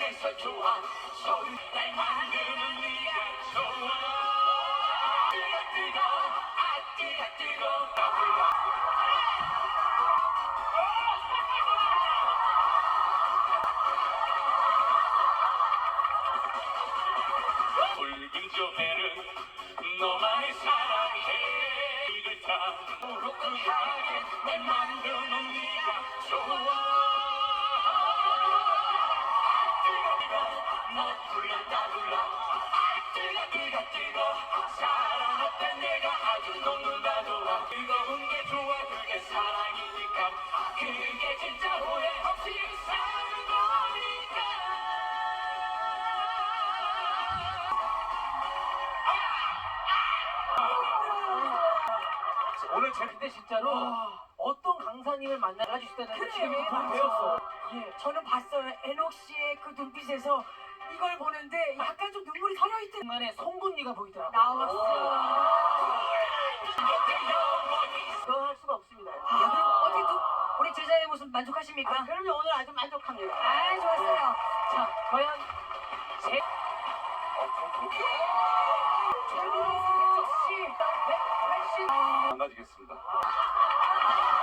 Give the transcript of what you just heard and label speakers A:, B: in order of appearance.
A: 그래서 좋아 소리 날 만드는 네가 좋아 뜨거 붉은 조개는 너만을 사랑해 이걸 다 무릎하게 날 만드는 네가 좋아 너 불렀다 불러 뜨거 사랑 없던 내가 아주 녹는다 좋아 뜨거운 게 좋아 그게 사랑이니까 그게 진짜 후회 없이 사는 거니까
B: 오늘 근데 진짜로 어떤 강사님을 만나가 주시다는 지금 돈 배웠어.
C: 예, 저는 봤어요. 에녹 씨의 그 눈빛에서 이걸 보는데 약간 좀 눈물이 서려있던
B: 중간에 송곳니가 보이더라고.
C: 나왔어.
B: 그거 할 수가 없습니다.
C: 아, 그럼 어떻게 우리 제자의 모습 만족하십니까?
B: 그럼요, 오늘 아주 만족합니다.
C: 아, 좋았어요.
B: 자, 과연 제
C: 최민수 백석 씨, 180.
A: 망가지겠습니다.